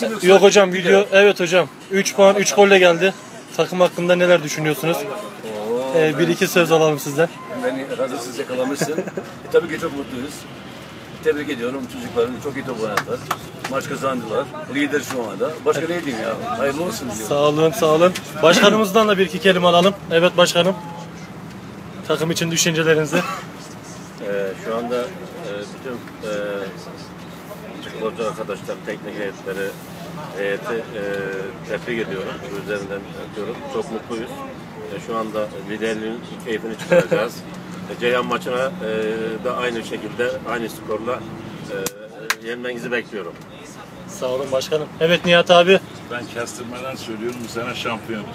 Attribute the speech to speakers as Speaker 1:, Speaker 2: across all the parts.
Speaker 1: Yok hocam video. Evet hocam. 3 puan 3 golle geldi. Takım hakkında neler düşünüyorsunuz? Bir iki söz alalım sizden.
Speaker 2: Beni hazırsız yakalamışsın. Tabii ki çok mutluyuz. Tebrik ediyorum çocukların, çok iyi top oynadılar. Maç kazandılar. Lider şu anda. Başka ne diyeyim ya? Hayırlı olsun diyorum.
Speaker 1: Sağ olun, sağ olun. Başkanımızdan da bir iki kelime alalım. Evet başkanım. Takım için düşüncelerinizi.
Speaker 3: Şu anda bütün sporcu arkadaşlar, teknik heyeti tebrik ediyorum. Üzerinden öpüyorum. Çok mutluyuz. Şu anda liderliğin keyfini çıkaracağız. Ceyhan maçına da aynı şekilde, aynı skorla yenmenizi bekliyorum.
Speaker 1: Sağ olun başkanım. Evet Nihat abi.
Speaker 4: Ben kestirmeden söylüyorum, bu sene şampiyonuz.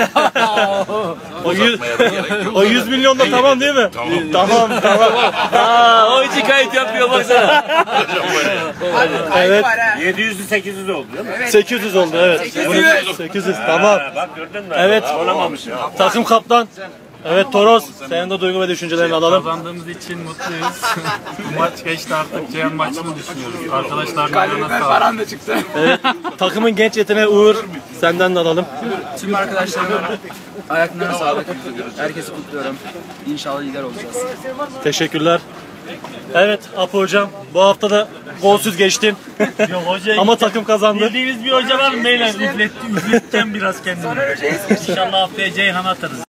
Speaker 1: O 100 milyon da tamam değil mi?
Speaker 4: Tamam.
Speaker 1: Tamam.
Speaker 2: O iki kayıt yapıyor baksana.
Speaker 1: Evet.
Speaker 3: 700'lü 800 oldu değil mi?
Speaker 1: 800 oldu evet. 800 tamam.
Speaker 3: Bak gördün mü?
Speaker 1: Evet.
Speaker 3: Olamamışım.
Speaker 1: Takım kaptan. Evet Toros. Senin de duygu ve düşüncelerini alalım.
Speaker 5: Kazandığımız için mutluyuz. Bu maç geçti artık. Ceyhan maçını düşünüyoruz. Arkadaşlar
Speaker 6: Paran da çıktı.
Speaker 1: Evet. Takımın genç yeteneği Uğur. Senden de alalım.
Speaker 6: Tüm arkadaşlarıma ayaklarına sağlık. Herkesi kutluyorum. İnşallah lider olacağız.
Speaker 1: Teşekkürler. Evet Apo hocam. Bu hafta da golsüz geçtin.
Speaker 5: Yok hoca.
Speaker 1: Ama takım kazandı.
Speaker 5: Bildiğiniz bir hoca var mı? Beyler üfleteceğim biraz kendimi. İnşallah haftaya Ceyhan atarız.